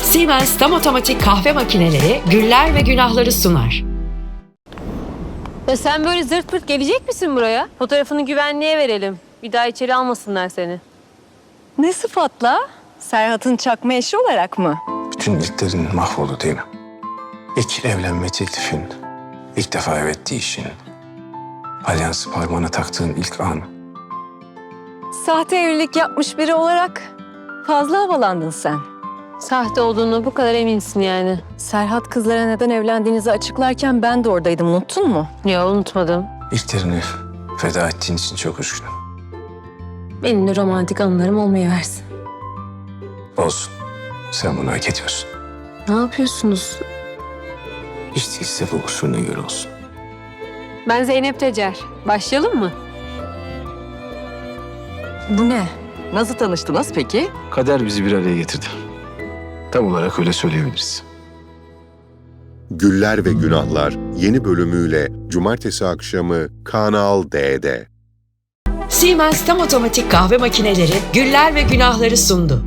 Siemens tam otomatik kahve makineleri güller ve günahları sunar. Ya sen böyle zırt pırt gelecek misin buraya? Fotoğrafını güvenliğe verelim. Bir daha içeri almasınlar seni. Ne sıfatla? Serhat'ın çakma eşi olarak mı? Bütün ilklerin mahvoldu değil mi? İlk evlenme teklifin, ilk defa evet deyişin, alyansı parmağına taktığın ilk an. Sahte evlilik yapmış biri olarak fazla havalandın sen. Sahte olduğunu bu kadar eminsin yani. Serhat kızlara neden evlendiğinizi açıklarken ben de oradaydım, unuttun mu? Ya unutmadım. İlklerini feda ettiğin için çok üzgünüm. Benim de romantik anılarım olmayı versin. Olsun. Sen bunu hak ediyorsun. Ne yapıyorsunuz? Hiç değilse bu usulüne göre olsun. Ben Zeynep Tecer. Başlayalım mı? Bu ne? Nasıl tanıştınız peki? Kader bizi bir araya getirdi. Tam olarak öyle söyleyebiliriz. Güller ve Günahlar yeni bölümüyle Cumartesi akşamı Kanal D'de. Siemens tam otomatik kahve makineleri güller ve günahları sundu.